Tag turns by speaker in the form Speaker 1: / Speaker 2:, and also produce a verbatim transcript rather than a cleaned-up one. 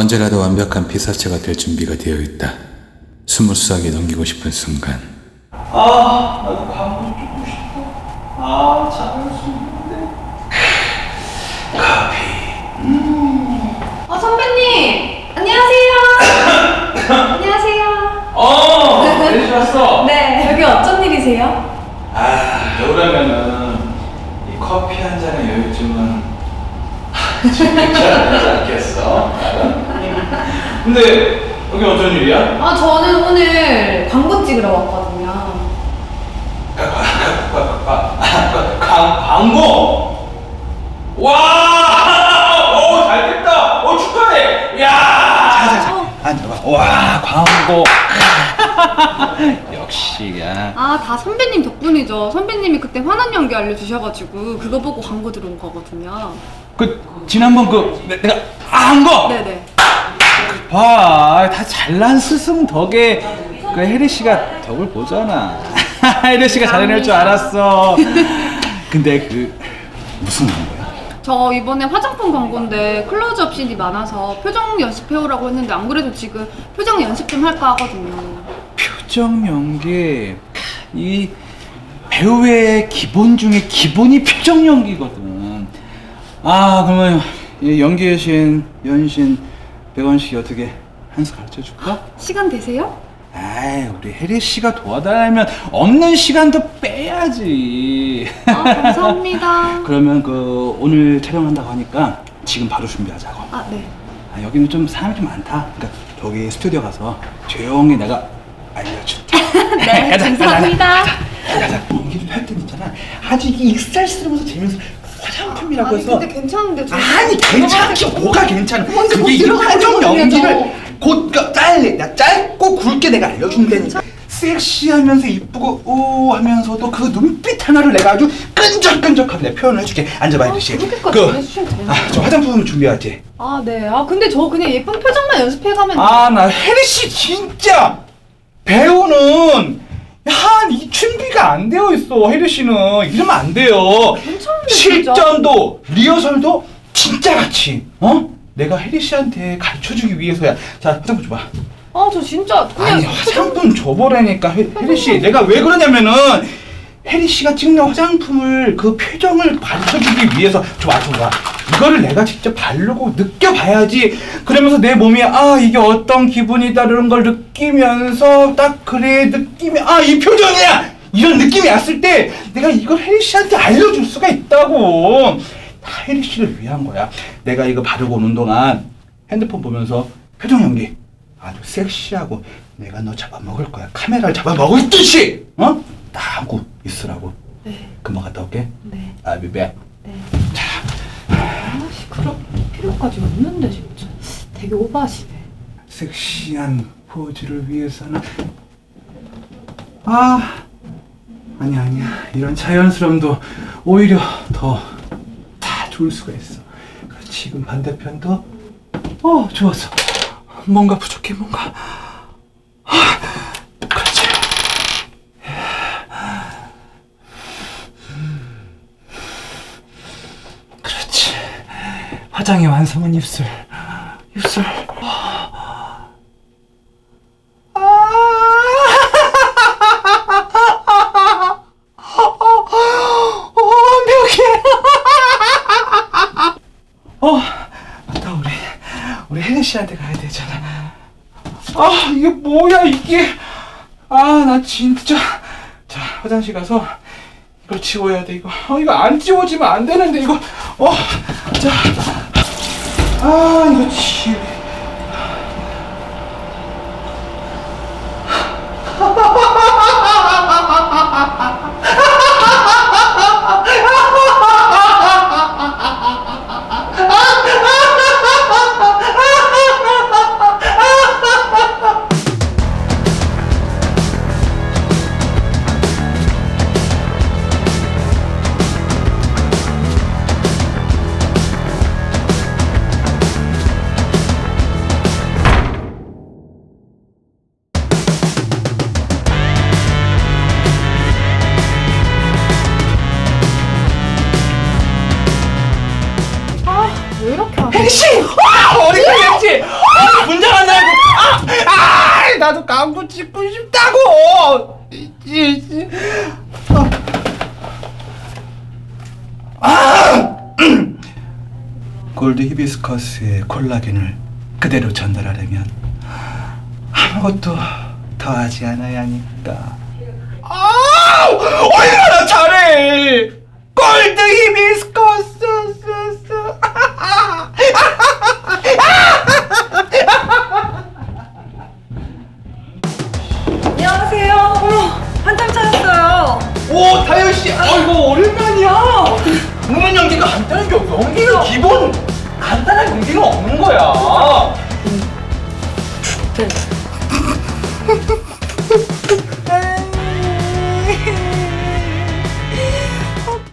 Speaker 1: 언제라도 완벽한 피사체가 될 준비가 되어 있다. 스무스하게 넘기고 싶은 순간.
Speaker 2: 아, 나도 광고 찍고 싶어. 아, 잘할 수 있는데. 커피. 음.
Speaker 3: 어, 선배님! 안녕하세요! 안녕하세요!
Speaker 2: 어, 혜리 씨 왔어?
Speaker 3: 네, 여기 어쩐 일이세요?
Speaker 2: 아, 여우라면은 이 커피 한 잔의 여유쯤은 즐기지 않겠어? 근데 여기 어쩐 일이야?
Speaker 3: 아, 저는 오늘 광고 찍으러 왔거든요.
Speaker 2: 광, 광고? 와! 오, 잘 됐다! 오, 축하해! 야! 자자자, 앉아봐. 와, 광고. 역시, 야.
Speaker 3: 아, 다 선배님 덕분이죠. 선배님이 그때 환한 연기 알려주셔가지고 그거 보고 광고 들어온 거거든요.
Speaker 2: 그, 지난번 그, 내, 내가, 아, 한 거!
Speaker 3: 네네.
Speaker 2: 봐, 다 잘난 스승 덕에 그 혜리 씨가 덕을 보잖아. 혜리 씨가 잘해낼 줄 알았어. 근데 그, 무슨 광고야?
Speaker 3: 저 이번에 화장품 광고인데 클로즈업 씬이 많아서 표정 연습해오라고 했는데 안 그래도 지금 표정 연습 좀 할까 하거든요.
Speaker 2: 표정 연기. 이 배우의 기본 중에 기본이 표정 연기거든. 아, 그러면 이 연기의 신, 연신, 백원 씨 어떻게 한 수 가르쳐 줄까?
Speaker 3: 시간 되세요?
Speaker 2: 아이, 우리 혜리 씨가 도와달라면 없는 시간도 빼야지.
Speaker 3: 아, 감사합니다.
Speaker 2: 그러면 그 오늘 촬영한다고 하니까 지금 바로 준비하자고.
Speaker 3: 아, 네.
Speaker 2: 아, 여기는 좀 사람이 좀 많다. 그러니까 저기 스튜디오 가서 조용히 내가 알려줄게.
Speaker 3: 네,
Speaker 2: 가자,
Speaker 3: 감사합니다.
Speaker 2: 가자, 가자, 가자. 연기를 할 때는 있잖아. 아주 이게 익살스러워서 재면서 화장품이라고
Speaker 3: 아니,
Speaker 2: 해서.
Speaker 3: 근데 괜찮은데 저
Speaker 2: 아니, 괜찮지. 뭐가 괜찮아.
Speaker 3: 먼저
Speaker 2: 그게 이
Speaker 3: 들어가는
Speaker 2: 화장
Speaker 3: 거거든요,
Speaker 2: 연기를 곧 그, 짧게, 나 짧고 굵게 내가 알려준다니까. 섹시하면서 이쁘고 오 하면서도 그 눈빛 하나를 내가 아주 끈적끈적하게 내가 표현을 해줄게. 앉아봐, 혜리 씨.
Speaker 3: 그렇게까지 해주시면 되나요?
Speaker 2: 아, 저 화장품 준비하지.
Speaker 3: 아, 네. 아, 근데 저 그냥 예쁜 표정만 연습해가면.
Speaker 2: 아, 나 혜리 씨 진짜 배우는 한 이 준비가 안 되어 있어. 혜리 씨는 이러면 안 돼요.
Speaker 3: 괜찮은데,
Speaker 2: 실전도 리허설도 진짜 같이. 어? 내가 혜리 씨한테 가르쳐주기 위해서야. 자, 화장품 줘봐.
Speaker 3: 아, 저 진짜 그냥.
Speaker 2: 아니, 화장품 줘보라니까. 혜, 혜리 씨, 내가 왜 그러냐면은 혜리 씨가 찍는 화장품을 그 표정을 가르쳐주기 위해서. 줘봐, 줘봐. 이거를 내가 직접 바르고 느껴봐야지. 그러면서 내 몸이 아, 이게 어떤 기분이다 이런 걸 느끼면서 딱 그래 느낌이 아, 이 표정이야 이런 느낌이 왔을 때 내가 이걸 혜리 씨한테 알려줄 수가 있다고. 다 혜리 씨를 위한 거야. 내가 이거 바르고 오는 동안 핸드폰 보면서 표정 연기 아주 섹시하고 내가 너 잡아먹을 거야. 카메라를 잡아먹을 듯이 어? 다 하고 있으라고.
Speaker 3: 네.
Speaker 2: 금방 갔다 올게.
Speaker 3: 네.
Speaker 2: I'll be back.
Speaker 3: 네.
Speaker 2: 자,
Speaker 3: 아씨, 그럴 필요까지 없는데, 진짜. 되게 오버하시네.
Speaker 2: 섹시한 포즈를 위해서는 아 아니야 아니야 이런 자연스러움도 오히려 더 다 좋을 수가 있어. 지금 반대편도 어 좋았어. 뭔가 부족해. 뭔가 아, 그렇지. 그렇지. 화장의 완성은 입술. 입술. 어, 맞다. 우리 우리 혜리 씨한테 가야 되잖아. 아, 이게 뭐야 이게? 아, 나 진짜. 자, 화장실 가서 이걸 지워야 돼. 이거. 어, 이거 안 지워지면 안 되는데 이거. 어, 자, 아, 이거 지.
Speaker 3: 왜 이렇게 하세요?
Speaker 2: 혜리 씨! 와! 어디 갔지? 나도 광고 찍고 싶다고. 이, 이, 아. 아! 골드 히비스커스의 콜라겐을 그대로 전달하려면 아무것도 더하지 않아야 하니까. 아, 얼마나 잘해! 골드 히비스커스.
Speaker 3: 안녕하세요. 어머, 한참 찾았어요.
Speaker 2: 오, 다현 씨, 아이고 오랜만이야. 웃는 연기가 간단한 게 없어. 연기는 기본 간단한 연기는 없는 거야.
Speaker 3: 네.